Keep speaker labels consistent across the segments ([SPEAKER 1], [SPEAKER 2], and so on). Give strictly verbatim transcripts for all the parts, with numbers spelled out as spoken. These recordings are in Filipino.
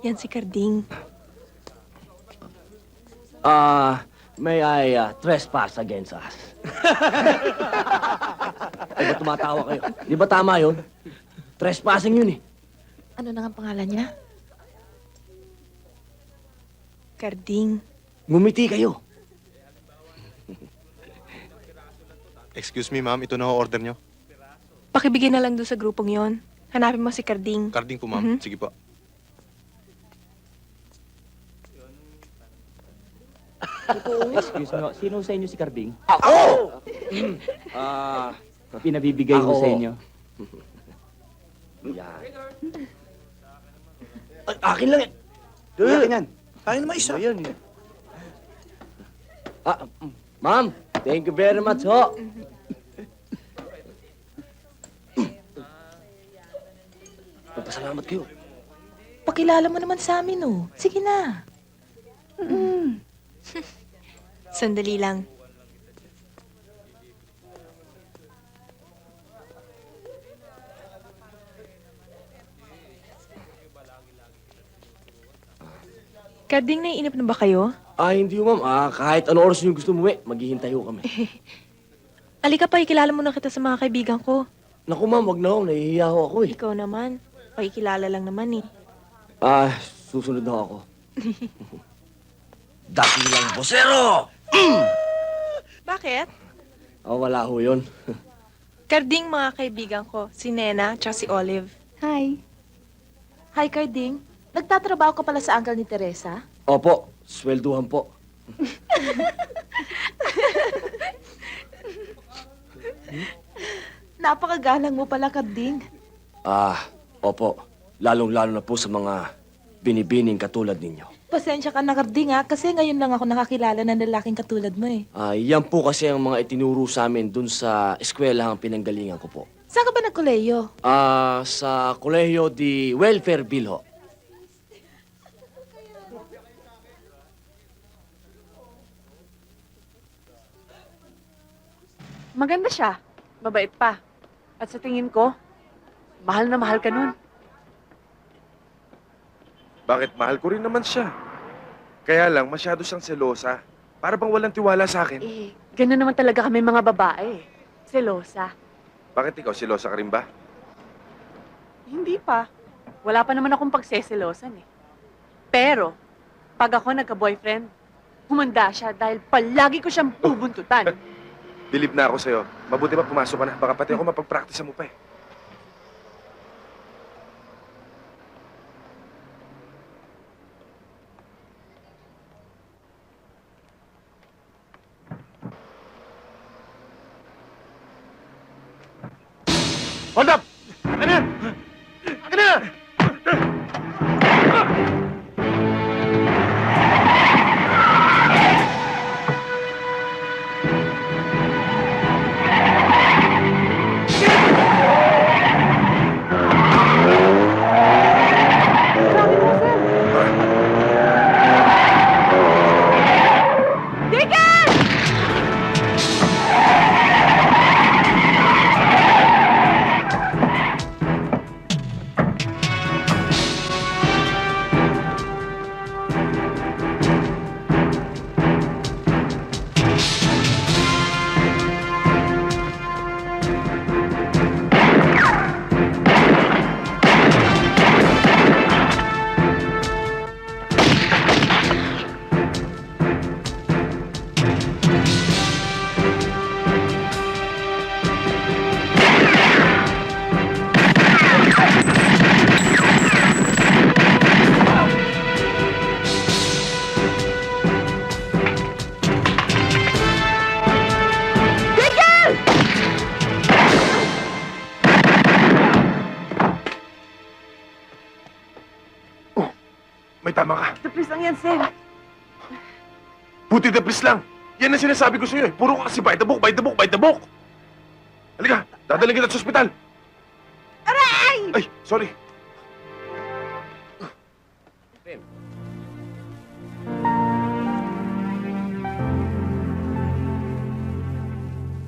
[SPEAKER 1] Yan si Carding.
[SPEAKER 2] Ah, may I uh, trespass against us? Ay, ba't tumatawa kayo? Di ba tama yun? Trespassing yun eh.
[SPEAKER 1] Ano na ang pangalan niya? Carding.
[SPEAKER 2] Ngumiti kayo.
[SPEAKER 3] Excuse me, ma'am. Ito na ho order nyo.
[SPEAKER 1] Pakibigay na lang doon sa grupong yon. Hanapin mo si Carding.
[SPEAKER 3] Carding po, ma'am.
[SPEAKER 1] Mhm.
[SPEAKER 3] Sige po.
[SPEAKER 4] Excuse me, sino sa inyo si Carding?
[SPEAKER 2] Ako! Ah,
[SPEAKER 4] Pinabibigay ko
[SPEAKER 2] Ako.
[SPEAKER 4] sa inyo.
[SPEAKER 2] yan. Ay, akin lang eh.
[SPEAKER 5] Akin yan. Tayo naman isa.
[SPEAKER 2] Ano yan eh? Ah, mm, ma'am, thank you very much ho. Magpasalamat kayo.
[SPEAKER 1] Pakilala mo naman sa amin, oh. Sige na. Sandali lang. Carding, naiinip na ba kayo?
[SPEAKER 2] Ah, hindi ho, ma'am. Ah, kahit ano oras niyo gusto umuwi, maghihintay ho kami.
[SPEAKER 1] Alika pa, ikilala mo na kita sa mga kaibigan ko.
[SPEAKER 2] Naku, ma'am, wag na ho. Nahihiya ho ako eh.
[SPEAKER 1] Ikaw naman. Pakikilala lang naman, eh.
[SPEAKER 2] Ah, susunod na ho ako. Dakilang bosero!
[SPEAKER 1] Bakit?
[SPEAKER 2] Ah, wala ho yun.
[SPEAKER 1] Carding, mga kaibigan ko. Si Nena, tsaka si Olive.
[SPEAKER 6] Hi. Hi, Carding. Nagtatrabaho ka pala sa uncle ni Teresa?
[SPEAKER 2] Opo, swelduhan po.
[SPEAKER 6] Napakagalang mo pala, Carding.
[SPEAKER 2] Ah, opo. Lalong-lalo na po sa mga binibining katulad ninyo.
[SPEAKER 6] Pasensya ka na, Carding, ha? Kasi ngayon lang ako nakakilala ng lalaking katulad mo, eh.
[SPEAKER 2] Ah, yan po kasi ang mga itinuro sa amin dun sa eskwelahang pinanggalingan ko po.
[SPEAKER 6] Saan ka ba nagkoleyo?
[SPEAKER 2] Ah, sa Colegio de Welfareville ho.
[SPEAKER 7] Maganda siya. Mabait pa. At sa tingin ko, mahal na mahal ka nun.
[SPEAKER 3] Bakit? Mahal ko rin naman siya. Kaya lang, masyado siyang selosa. Para bang walang tiwala sa akin.
[SPEAKER 7] Eh, gano'n naman talaga kami mga babae. Selosa.
[SPEAKER 3] Bakit ikaw, selosa ka rin ba?
[SPEAKER 7] Hindi pa. Wala pa naman akong pagseselosan eh. Pero, pag ako nagka-boyfriend, humanda siya dahil palagi ko siyang bubuntutan.
[SPEAKER 3] Believe na ako sa'yo. Mabuti pa pumasok ka na. Baka pati ako mapagpractice mo pa eh. Hold up! Akin na! Akin na! May tama ka.
[SPEAKER 7] Tapos lang yan, sir.
[SPEAKER 3] Buti the please lang. Yan ang sinasabi ko sa'yo eh. Puro ka kasi by the book, by the book, by the book. Halika, dadalhin kita sa ospital. Aray! Ay, sorry.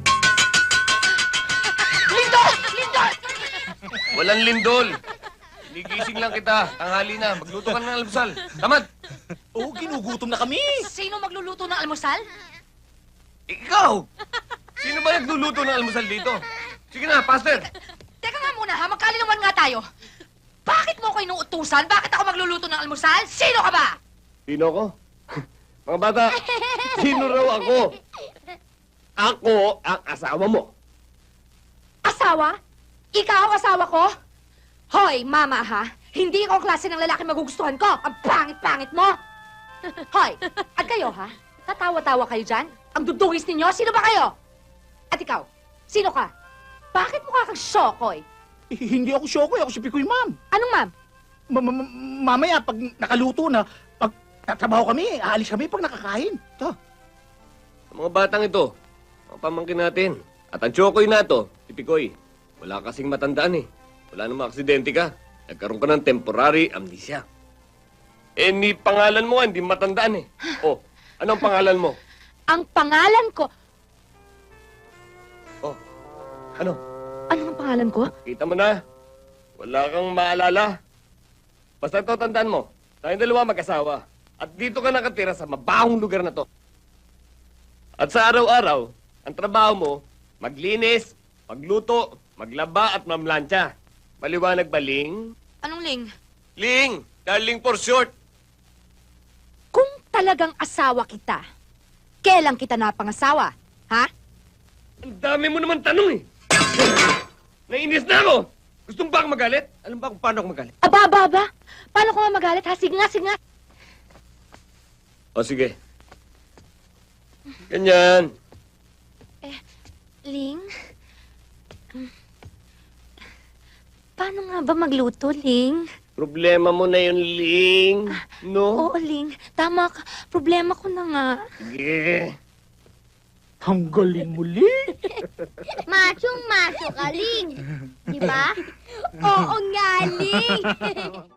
[SPEAKER 2] Walang lindol.
[SPEAKER 8] Gigising lang kita. Tanghali na. Magluto ka ng almusal. Tamad!
[SPEAKER 5] Oo, ginugutom na kami.
[SPEAKER 6] Sino magluluto ng almusal?
[SPEAKER 8] Ikaw! Sino ba nagluluto ng almusal dito? Sige na, Pastor!
[SPEAKER 6] Teka nga muna ha, magkalinawan nga tayo. Bakit mo ko inuutusan? Bakit ako magluluto ng almusal? Sino ka ba?
[SPEAKER 2] Sino ko? Mga bata, sino raw ako? Ako ang asawa mo.
[SPEAKER 6] Asawa? Ikaw ang asawa ko? Hoy, mama ha, hindi ikaw ang klase ng lalaki magugustuhan ko. Ang pangit-pangit mo. Hoy, at kayo ha? Tatawa-tawa kayo dyan? Ang dudungis ninyo? Sino ba kayo? At ikaw, sino ka? Bakit mukha kang Shokoy?
[SPEAKER 5] Eh, hindi ako Shokoy, ako si Pikoy, ma'am.
[SPEAKER 6] Anong ma'am?
[SPEAKER 5] Ma- ma- ma- mamaya, pag nakaluto na, pag tatrabaho kami, aalis kami pag nakakain. Ito.
[SPEAKER 8] Ang mga batang ito, mga pamangkin natin. At ang Chokoy na to, si Pikoy, wala kasing matandaan eh. Wala namang aksidente ka. Nagkaroon ka ng temporary amnesia. Eh, ni pangalan mo nga, hindi matandaan eh. Oh, anong pangalan mo?
[SPEAKER 6] Ang pangalan ko...
[SPEAKER 8] Oh, ano?
[SPEAKER 6] Ano ang pangalan ko?
[SPEAKER 8] Kita mo na. Wala kang maalala. Basta ito, tandaan mo. Tayong dalawa mag-asawa. At dito ka nakatira sa mabahong lugar na to. At sa araw-araw, ang trabaho mo, maglinis, magluto, maglaba at mamlansya. Maliwanag ba, Ling?
[SPEAKER 6] Anong ling?
[SPEAKER 8] Ling! Darling for short.
[SPEAKER 6] Kung talagang asawa kita, kailan kita napangasawa? Ha?
[SPEAKER 8] Ang dami mo naman tanong eh. Nainis na ako. Gusto mo ba akong magalit? Alam ba kung paano ako magalit?
[SPEAKER 6] Aba, aba, aba. Paano ko nga magalit, ha? Sige nga, sige nga.
[SPEAKER 8] O sige. Ganyan.
[SPEAKER 6] Ling? Um, Paano nga ba magluto, Ling?
[SPEAKER 8] Problema mo na yun, Ling. No?
[SPEAKER 6] Oo, Ling. Tama ka. Problema ko na nga.
[SPEAKER 8] Sige.
[SPEAKER 5] Ang galing muli.
[SPEAKER 9] Machong-macho ka, Ling. Di ba? Oo nga, Ling.